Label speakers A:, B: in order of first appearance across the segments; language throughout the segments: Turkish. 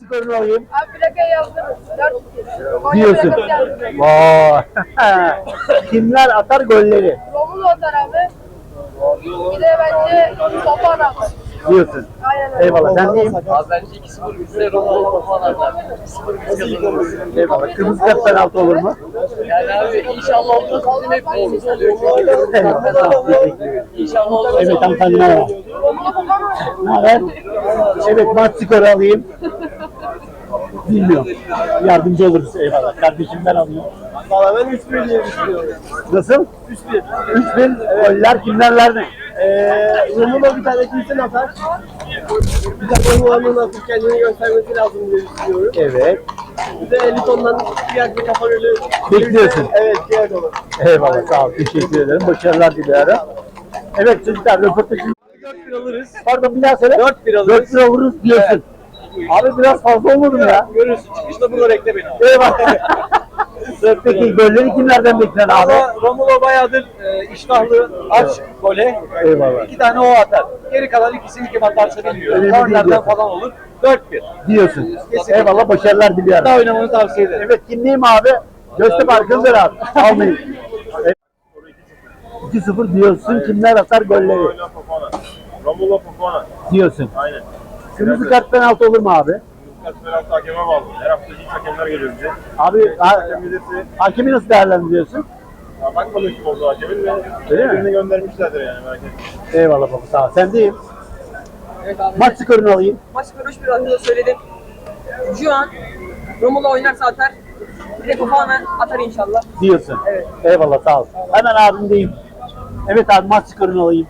A: skorunu alayım.
B: Abi plakaya yazdırırız. 4-2. Konya
A: Diyorsun.
B: plakası yazdırırız.
A: Vay. Kimler atar golleri?
B: Romulo atar abi. Bir de bence Topal atar.
A: Diyorsun.
B: Aynen öyle.
A: Eyvallah. Sen neyim?
C: Abi bence 2-0 bitse Romulo falan atar. 2-0 biz kazanırız.
A: Eyvallah. Kırmızı kart penaltı olur mu?
C: Yani abi inşallah olmaz. Bizim hep golümüz oluyor.
A: Eyvallah. Sağ ol. Teşekkür ederim.
C: İnşallah olmaz.
A: Evet hanımefendi merhaba.
B: Romulo Topal mı?
A: Ne haber? Evet maç skoru alayım. Bilmiyorum. Yardımcı oluruz. Eyvallah. Kardeşim ben alıyorum.
D: Valla ben 3-1 diye düşünüyorum.
A: Nasıl?
D: 3-1.
A: 3-1. Goller kimlerler ne?
D: Romulo bir tane kesin atar. Bir tane Romulo'nun atıp kendini göstermesi lazım diye düşünüyorum.
A: Evet.
D: Bir de Eliton'dan bir kafa golü.
A: Bekliyorsun.
D: Evet, diğer olur.
A: Eyvallah. Sağ ol. Teşekkür ederim. Başarılar diliyorum. Evet çocuklar röportajı
D: 4-1 alırız.
A: pardon bir daha söyle.
D: 4-1 alırız.
A: 4 lira vururuz diyorsun. Abi biraz fazla olmadı mı ya?
D: Görürsün. Çıkışta burada bekle beni.
A: Eyvallah. Peki golleri kimlerden beklen abi?
D: Ama Romulo bayağıdır iştahlı, aç gole.
A: Eyvallah.
D: 2 tane o atar. Geri kalan ikisini kim atarsa bilmiyorum.
A: Önemli değil
D: Kornerden
A: diyorsun.
D: falan olur. 4-1.
A: Diyorsun.
D: Kesinlikle.
A: Eyvallah başarılar diliyorum.
D: Daha oynamanı tavsiye ederim.
A: Evet kimliyim abi? Göztepe arkanızdır abi. Almayın. Evet. 2-0 diyorsun. Kimler atar golleri?
E: Romulo Fofana.
A: Diyorsun.
E: Aynen.
A: Kırmızı kart penaltı olur mu abi?
E: Kaç penaltı hakeme bağlı. Her hafta hiç hakemler geliyor bize.
A: Abi
E: Hakem müdürü
A: hakemi nasıl değerlendiriyorsun?
E: bakmadım kim oldu hakemin ve
A: Öyle mi?
E: birini göndermişlerdir yani merak etme.
A: Eyvallah baba sağ ol. Sen deyim.
F: Evet abi.
A: Maç skorunu alayım.
F: Maç skoru 3-1 adında söyledim. Şu an Romulo oynarsa atar. Bir de Fofana atar inşallah.
A: Diyorsun.
F: Evet.
A: Eyvallah sağ ol. Hemen abim deyim. Evet abi maç skorunu alayım.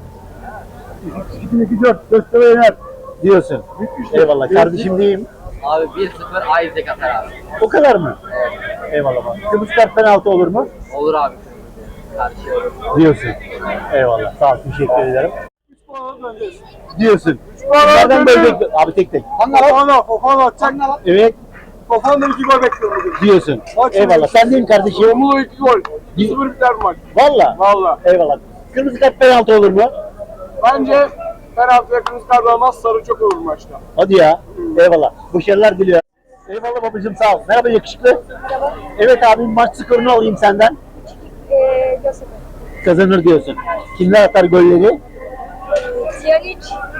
A: 2-4 Göztepe yener diyorsun. Eyvallah kardeşim diyeyim.
C: Abi 1-0 Isaac atar abi.
A: O kadar mı? Eyvallah baba. Kırmızı kart penaltı olur mu?
C: Olur abi. Karşı.
A: Diyorsun. Eyvallah sağ ol teşekkür ederim. Diyorsun. Nereden böyle bekliyor? Abi tek tek.
D: Fofana atacak.
A: Evet
D: Fofana'dan 2 gol bekliyorum.
A: diyorsun.
D: Bak şimdi.
A: Eyvallah sen deyim kardeşim.
D: Romulo 2 gol. 2-0 biter bu maç.
A: Valla.
D: Valla.
A: Eyvallah. Kırmızı kart penaltı olur mu?
D: Bence penaltıya kırmızı kart almaz, sarı çok olur maçta.
A: Hadi ya. Eyvallah. Başarılar diliyorum. Eyvallah babacığım sağ ol. Merhaba yakışıklı. Evet abim maç skorunu alayım senden.
B: Göztepe.
A: Kazanır diyorsun. Kimler atar golleri
B: Siyanic,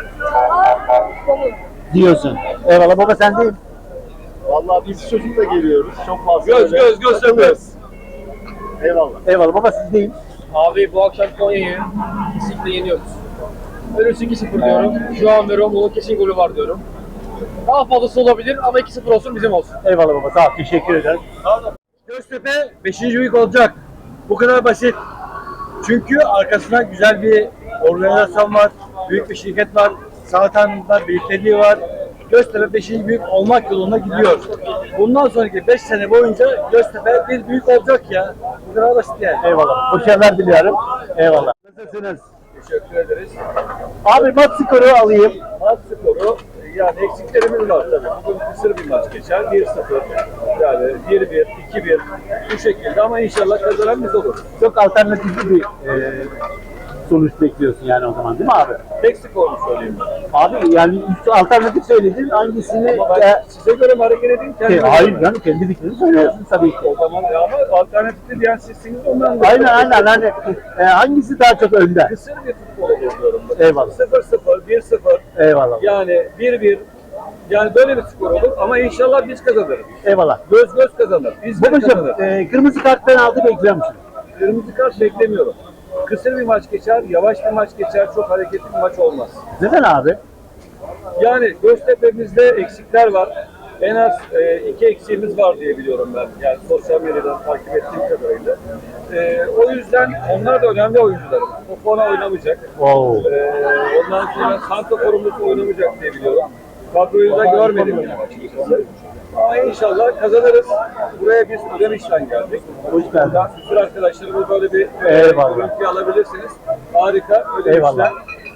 B: Taha, Romulo.
A: diyorsun. Eyvallah baba sen deyim.
E: Vallahi biz çocukla geliyoruz. Çok fazla.
D: Göz sömürüz.
E: Eyvallah.
A: Eyvallah baba siz deyim.
C: Abi bu akşam Konya'yı kesinlikle yeniyoruz. Ölürse 2-0 diyorum. Şu an ve Romulo kesin golü var diyorum. Daha fazlası olabilir ama 2-0 olsun bizim olsun.
A: Eyvallah baba sağ ol. Teşekkür ederim.
D: Göztepe 5. büyük olacak. Bu kadar basit. Çünkü arkasında güzel bir organizasyon var. Büyük bir şirket var. Sağtan'da birlikteliği var. Göztepe 5. büyük olmak yolunda gidiyor. Bundan sonraki 5 sene boyunca Göztepe bir büyük olacak ya. Bu kadar basit yani.
A: Eyvallah. Başarılar diliyorum. Eyvallah. Nasılsınız?
D: Teşekkür ederiz.
A: Abi maç skoru alayım.
D: Maç skoru yani eksiklerimiz var tabii. Bugün kısır bir maç geçer. 1-0 yani 1-1, 2-1 bu şekilde ama inşallah kazanan biz olur.
A: Çok alternatifli bir sonuç bekliyorsun yani o zaman değil mi abi?
D: Tek skorunu söyleyeyim ben.
A: Abi yani üç alternatif söyledin hangisini...
D: Ama ben size göre mi hareket edeyim? Kendime
A: hayır
D: göre.
A: yani kendi fikrini söylüyorsun tabii ki.
D: O zaman ya ama alternatifli diyen sizsiniz ondan da.
A: Aynen hani hangisi daha çok önde?
D: Kısır bir futbol olur diyorum.
A: Eyvallah.
D: 0-0, 1-0
A: Eyvallah.
D: yani 1-1 yani böyle bir skor olur ama inşallah biz kazanırız.
A: Eyvallah.
D: Göz kazanır. Biz de
A: Babacım
D: kazanırız.
A: kırmızı kart penaltı bekliyor musun?
D: Kırmızı kart beklemiyorum. Kısır bir maç geçer, yavaş bir maç geçer, çok hareketli bir maç olmaz.
A: Neden abi?
D: Yani Göztepe'mizde eksikler var. En az 2 eksiğimiz var diye biliyorum ben. Yani sosyal medyadan takip ettiğim kadarıyla. O yüzden onlar da önemli oyuncularım. Fofana oynamayacak.
A: Wow.
D: Ondan sonra santraforumuz oynamayacak diye biliyorum. Kadroyu da görmedim yani açıkçası. Ama inşallah kazanırız. Buraya biz Ödemiş'ten geldik.
A: Hoş geldin.
D: Buradan bütün arkadaşlarımız böyle bir
A: Eyvallah.
D: görüntü alabilirsiniz. Harika. Ödemiş'ten.
A: Eyvallah.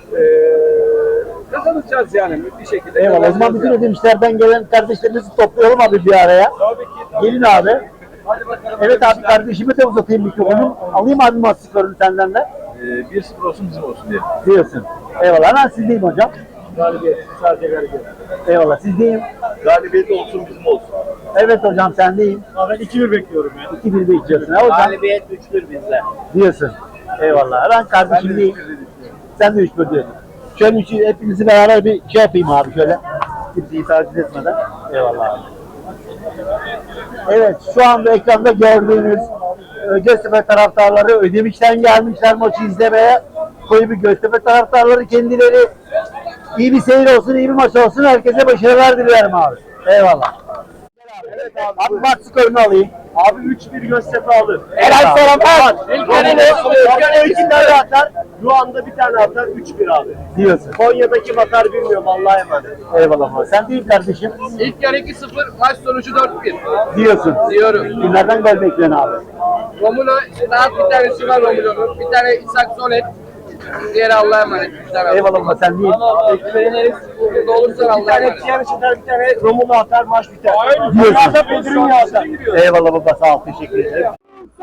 D: Kazanacağız yani bir şekilde.
A: Eyvallah. O zaman bütün ödemişlerden gelen kardeşlerimizi toplayalım abi bir araya.
D: Tabii ki.
A: Gelin abi.
D: Hadi bakalım.
A: Evet abi kardeşime de uzatayım mikrofonu. Alayım abi maç skorunu senden de.
D: 1-0 olsun bizim olsun diye.
A: Diyorsun. Eyvallah. Hemen sizdeyim hocam.
D: Galibiyet. Sadece galibiyet.
A: Eyvallah. Sizdeyim.
E: Galibiyet olsun bizim olsun.
A: Evet hocam sendeyim.
D: Ben 2-1 bekliyorum ya.
A: 2-1 bekliyorsun. Ha hocam?
E: Galibiyet 3-1 bizde.
A: Diyorsun. Eyvallah. Ben kardeşimdeyim. Sen de 3-1 diyorsun. Şöyle hepinizi beraber bir şey yapayım abi şöyle. Kimseyi takip etmeden. Eyvallah abi. Evet şu anda ekranda gördüğünüz Göztepe taraftarları Ödemiş'ten gelmişler maçı izlemeye. Koyu bir Göztepe taraftarları kendileri. İyi bir seyir olsun, iyi bir maç olsun. Herkese başarılar dilerim abi. Eyvallah.
D: Evet
A: Abi maç skorunu alayım.
D: Abi 3-1 Göztepe alır.
A: Helal sana bak.
D: İlk tane atar. Şu anda bir tane atar 3-1 abi.
A: Diyorsun.
D: Konya'da kim atar bilmiyorum Allah'a emanet.
A: Eyvallah abi. Sen değil kardeşim.
C: İlk yarı 2-0, maç sonucu 4-1.
A: Diyorsun.
C: Diyorum.
A: Kimlerden gol bekliyorsun abi?
C: Romulo, rahat bir tanesi var Romulo'nun. Bir tane İshak Sonet. Diğeri Allah'a emanet.
A: Eyvallah abi sen değil.
C: Ekmeğin burada olursa
D: Bir
C: Allah'a
D: tane
C: emanet.
D: Tiyan atar, bir tane Romulo atar, maç biter.
A: Diyorsun.
D: Dünyada Bedrin yazar.
A: Eyvallah baba sağ ol. Teşekkür ederim.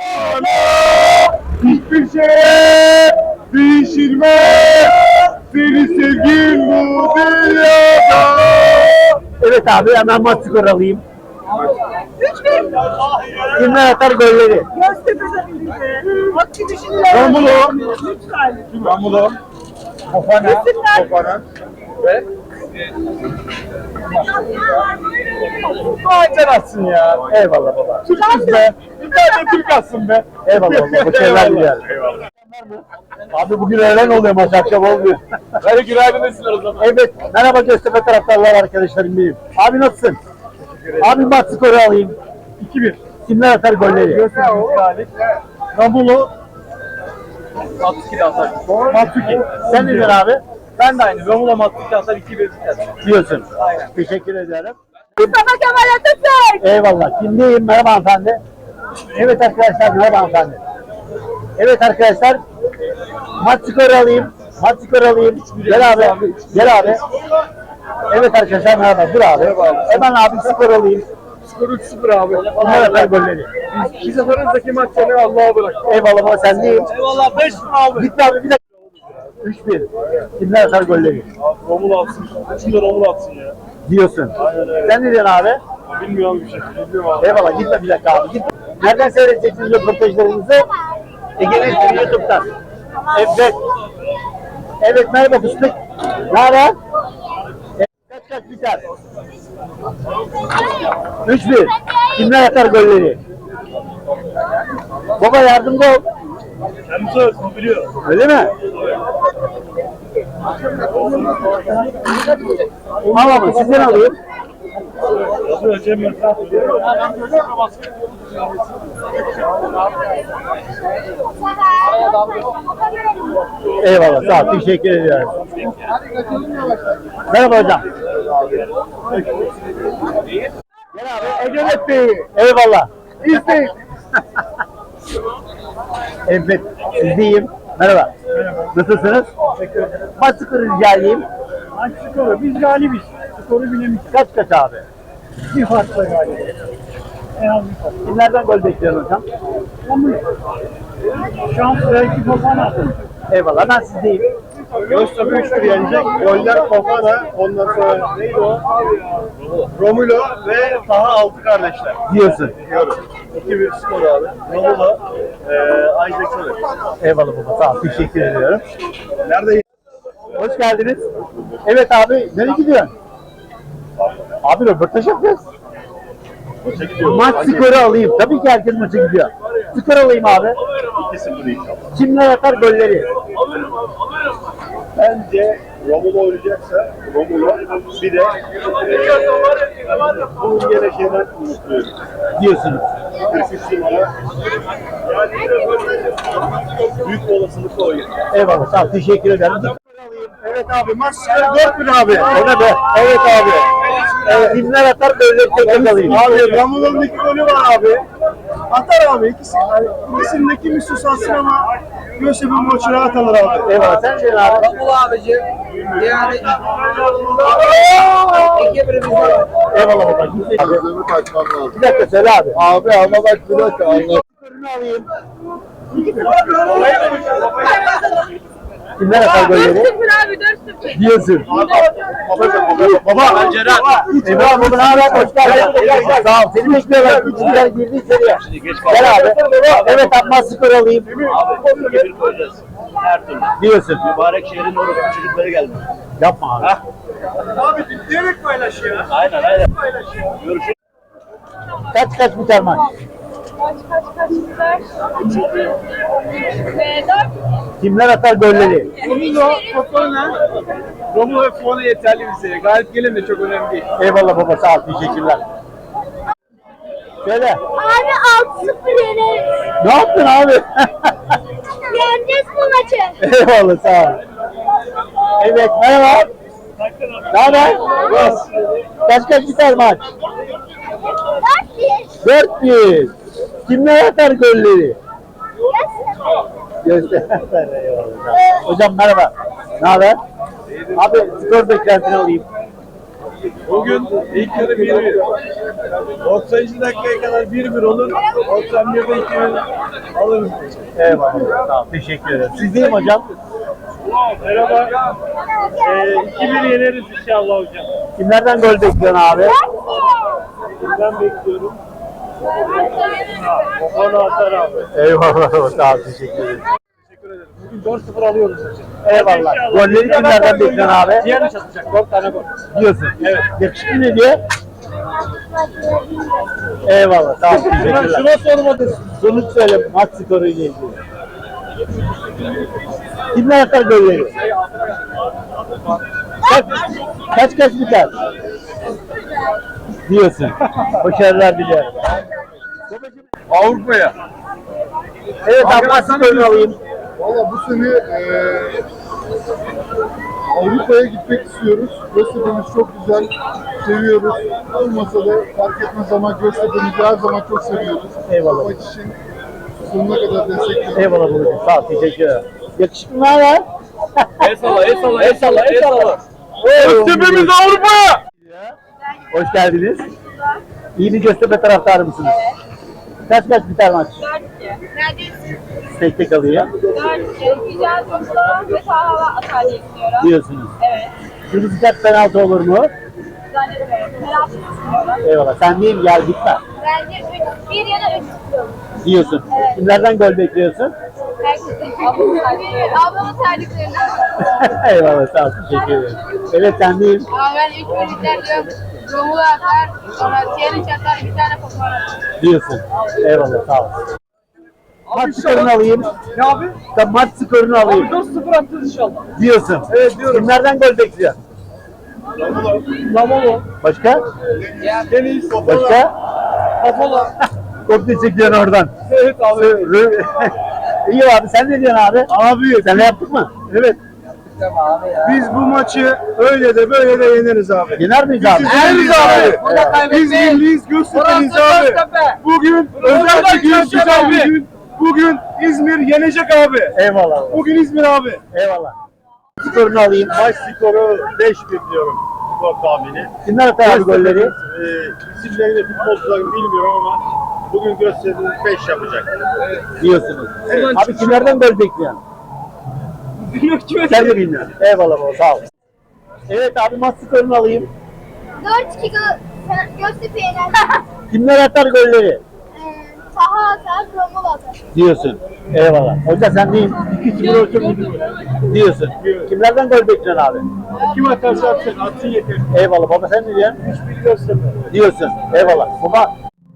D: Hiçbir şey değişilmez. Seni sevgin bu dünyada.
A: Evet abi hemen maç skoru alayım.
B: 3-1.
A: Kimler atar golleri?
B: Göztepe'de birlikte. Hakkı düşünüyorlar.
A: Romulo.
B: Lütfen.
D: Romulo, Fofana,
B: Kesinler.
D: Fofana ve Sen atsın ya.
A: Eyvallah baba.
D: Türk'üz be. Bir tane Türk atsın be.
A: Eyvallah baba. Başarılar dilerim. Abi bugün öğlen oluyor maç akşam olmuyor.
D: Hadi günaydın desinler o zaman.
A: Evet. Merhaba Göztepe taraftarlar arkadaşlarım benim. Abi nasılsın? Abi maç skoru alayım.
D: 2-1.
A: Kimler atar golleri?
D: Göztepe galip. Romulo, Matsuki de atar. Matsuki.
A: Sen ne diyorsun abi?
D: Ben de aynı. Romulo Matsuki atar 2-1 biter.
A: Diyorsun. Teşekkür ederim.
B: Mustafa Kemal Atatürk.
A: Eyvallah. Kimdeyim? Merhaba hanımefendi. Evet arkadaşlar. Merhaba hanımefendi. Evet arkadaşlar. Maç skoru alayım. Maç skoru alayım. Gel abi. Gel abi. Evet arkadaşlar merhaba. Dur abi. Hemen abi skor alayım.
D: Skor 3-0 abi.
A: Kimler atar golleri?
D: Biz seferindeki maç seni Allah'a bırak.
A: Eyvallah baba sendeyim.
D: Eyvallah 5-0 abi.
A: Gitme abi bir dakika. 3-1. Kimler atar golleri?
E: Romulo atsın. Üçünde Romulo atsın ya.
A: Diyorsun. Sen ne diyorsun abi?
E: Bilmiyorum bir şey. Bilmiyorum abi.
A: Eyvallah gitme bir dakika abi. Gitme. Nereden seyredeceksiniz röportajlarınızı? Ege'nin YouTube'dan. Evet. Evet merhaba fıstık. Ne haber? Kaç biter? 3-1. Kimler atar golleri? Baba yardımcı ol.
E: Kendisi ölsün biliyor.
A: Öyle mi? Al abi sizden alayım.
E: Yazıyor Cem Yılmaz.
A: Eyvallah sağ ol. Teşekkür ediyorum. Merhaba hocam. Gel abi. Egenet Bey. Eyvallah. İzleyin. Evet. Sizdeyim. Merhaba. Nasılsınız?
D: Teşekkür ederim.
A: Maç skoru rica edeyim.
D: Maç skoru. Biz galibiz. Skoru bilemeyiz.
A: Kaç abi?
D: Bir farkla galibiz. En az bir fark.
A: Kimlerden gol bekliyorsun hocam?
D: Şans belki Fofana.
A: Eyvallah ben sizdeyim.
E: Göztepe 3-1 yenecek. Goller Fofana. Ondan sonra neydi o? Romulo ve Taha Altı kardeşler.
A: Diyorsun.
E: Diyorum. 2-1 skor abi. Romulo, Isaac Soler.
A: Eyvallah baba sağ ol. Teşekkür ediyorum.
E: Nerede?
A: Hoş geldiniz. Evet abi nereye gidiyorsun? Abi röportaj yapacağız.
E: Maça gidiyor.
A: Maç skoru alayım. Tabii ki herkes maça gidiyor. Skor alayım abi.
E: 2-0 inşallah.
A: Kimler atar golleri?
E: Bence Romulo oynayacaksa Romulo bir de bunun yine şeyden umutluyum.
A: Diyorsunuz.
E: 43 numara. Yani büyük bir olasılıkla oynuyor.
A: Eyvallah sağ ol. Teşekkür ederim.
E: Evet abi maç 4-1 abi.
A: O ne be? Evet abi. Evet, kimler atar golleri tekrar alayım.
E: Abi Romulo'nun 2 golü var abi. Atar abi ikisi. Yani ikisindeki bir susansın ama Göztepe maçı rahat alır abi.
A: Eyvallah sen diyorsun abi.
F: Romulo abicim. Yani 2-1 bizde.
A: Eyvallah baba. Gitme.
G: Gözümü kaçmam lazım.
A: Bir dakika söyle abi.
G: Abi ama bak bir dakika anlat.
A: Skorunu alayım. Kimler atar golleri?
B: 4-0 abi 4-0.
A: Diyorsun. Baba. Eyvallah baba, ne haber? Hoş geldin. Sağ ol. Seni bekliyorlar. 3-1'den girdi içeriye. Gel abi. Evet, Abbas skor alayım.
E: Abi bir koyacağız. Her türlü.
A: Diyorsun.
E: Mübarek şehrin orası çocukları gelmiş.
A: Yapma abi.
D: Abi diyerek paylaş ya.
E: Aynen aynen. Görüşürüz.
A: Kaç biter maç?
B: Kaç biter? 2-1 ve 4.
A: Kimler atar golleri?
D: Romulo, Fofana. Romulo ve Fofana yeterli bize. Galip gelin de çok önemli değil.
A: Eyvallah baba, sağ ol. Teşekkürler. Şöyle.
B: Abi 6-0 yeneriz.
A: Ne yaptın abi?
B: Yeneceğiz bu maçı.
A: Eyvallah, sağ ol. Evet, merhaba. Ne haber? Kaç biter maç?
B: 4-1.
A: 4-1. Kimler atar golleri? Göster. Eyvallah. Hocam merhaba. Ne haber? Abi skor beklentini alayım.
D: Bugün ilk yarı 1-1. 90. dakikaya kadar 1-1 olur. 91'de 2-1 alırız.
A: Eyvallah. Sağ ol. Teşekkür ederim. Siz değil mi hocam?
E: Merhaba. 2-1 yeneriz inşallah hocam.
A: Kimlerden gol bekliyorsun abi?
E: Ben bekliyorum. Fofana atar abi.
A: Eyvallah. Sağ ol. Teşekkür ederim.
D: Bugün 4-0 alıyoruz.
A: Eyvallah. Golleri kimlerden bekliyorsun abi?
D: Diğer çatacak. 4 tane gol.
A: Diyorsun. Evet. Yakışıklı ne diye? Eyvallah. Sağ ol. Teşekkürler.
D: Şuna sormadın.
A: Sonuç söyle maç skoruyla ilgili. Kimler atar golleri? Kaç biter? Diyorsun. Başarılar diliyorum.
D: Avrupa'ya.
A: Evet, maç skorunu alayım.
G: Valla bu sene Avrupa'ya gitmek istiyoruz. Göztepe'miz çok güzel. Seviyoruz. Olmasa da fark etmez ama Göztepe'mizi her zaman çok seviyoruz.
A: Eyvallah.
G: Bu maç için sonuna kadar destekliyoruz.
A: Eyvallah babacığım. Sağ ol. Teşekkür ederim. Yakışıklı ne haber?
C: El salla.
D: Göztepe'miz Avrupa'ya.
A: Hoş geldiniz. İyi bir Göztepe taraftarı mısınız? Kaç biter maç?
B: 4-2.
A: Tek alayım.
B: 4-2. Güzel topla ve sahava atar diye düşünüyorum.
A: Diyorsunuz.
B: Evet.
A: Kırmızı kart penaltı olur mu?
B: Zannetmiyorum. Penaltı düşünüyorum.
A: Eyvallah. Sen değil, gel gitme.
B: Bence 1 ya da 3 istiyorum.
A: Diyorsun.
B: Evet.
A: Kimlerden gol bekliyorsun?
B: Herkesin ablamın tercihlerinden. Ablamın tercihlerinden.
A: Eyvallah, sağ ol. Teşekkür ederim. Evet, sen değil.
B: Ama ben 3 biter diyorum. Romulo atar. Sonra Tiyan'ın atar. Bir tane Fofana atar.
A: Diyorsun. Eyvallah, sağ ol. Maç skorunu alayım.
D: Ne abi?
A: Maç skorunu alayım.
D: 4-0 atacağız inşallah.
A: Diyorsun.
D: Evet diyorum.
A: Kimlerden gol bekliyorsun?
D: Lamolo.
A: Başka?
D: Deniz.
A: Başka?
D: Kafola.
A: Kopya çekiyorsun oradan.
D: Evet abi.
A: İyi abi, sen ne diyorsun abi? Abi. Sen ne yaptık mı? Evet.
E: Biz bu maçı öyle de böyle de yeneriz abi.
A: Yener miyiz abi?
E: Yeneriz abi. Biz milliyiz, Göztepe'liyiz abi. Bugün özel bir gün güzel bir gün. Bugün İzmir yenecek abi.
A: Eyvallah.
E: Bugün İzmir abi.
A: Eyvallah. Skorunu alayım.
E: Maç skoru 5-1 diyorum. Skor tahmini.
A: Kimler atar abi golleri?
E: İsimlerini futbolcuların bilmiyorum ama bugün Göztepe 5 yapacak.
A: Diyorsunuz. Abi kimlerden gol bekliyorsun? Sen de bilmiyorsun. Eyvallah baba, sağ ol. Evet abi, maç skorunu alayım.
B: 4-2 Göztepe yener.
A: Kimler atar golleri?
B: Saha atar, Romulo atar.
A: Diyorsun. Eyvallah. Hoca sen değil. 2-0 olsun diyorsun. Kimlerden gol bekliyorsun abi?
E: Kim atarsa atsın, atsın yeter.
A: Eyvallah baba, sen ne diyorsun?
E: 3-1 Göztepe.
A: Diyorsun. Eyvallah. Baba.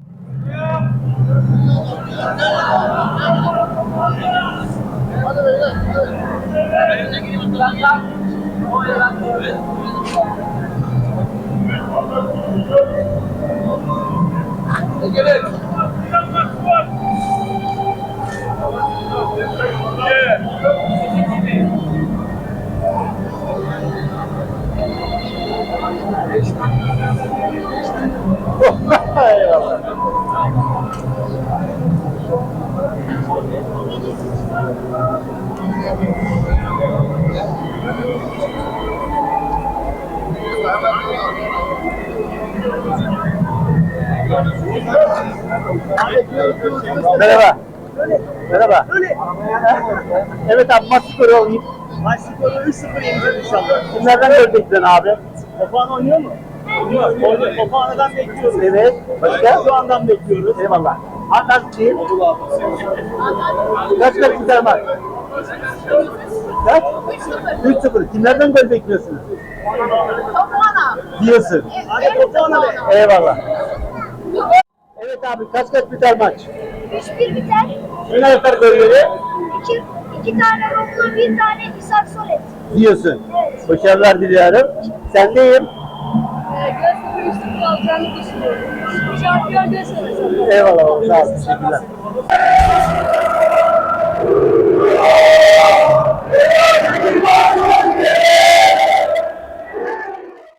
A: Eyvallah. Merhaba. Merhaba. Evet abi maç skoru alayım.
D: Maç skoru 3-0 yeneceğiz inşallah.
A: Kimlerden gol bekliyorsun abi?
D: Topağan oynuyor mu? Oynuyor. Topağan'dan bekliyoruz.
A: Evet. Başka?
D: Şu andan bekliyoruz.
A: Eyvallah. Anlat diyeyim. Kaç biter maç? Kaç? 3-0. Kimlerden gol bekliyorsunuz?
B: Topana.
A: Diyorsun.
D: Hadi Topağan'a be.
A: Eyvallah. Evet abi kaç biter maç?
B: 3-1 biter.
A: Kimler atar golleri?
B: İki tane Romulo, bir tane İshak Solet.
A: Diyorsun.
B: Evet.
A: Başarılar diliyorum. Sendeyim.
B: Göztepe 3-0 alacağını düşünüyorum. Şampiyon Göztepe.
A: Eyvallah. Sağ ol. Teşekkürler.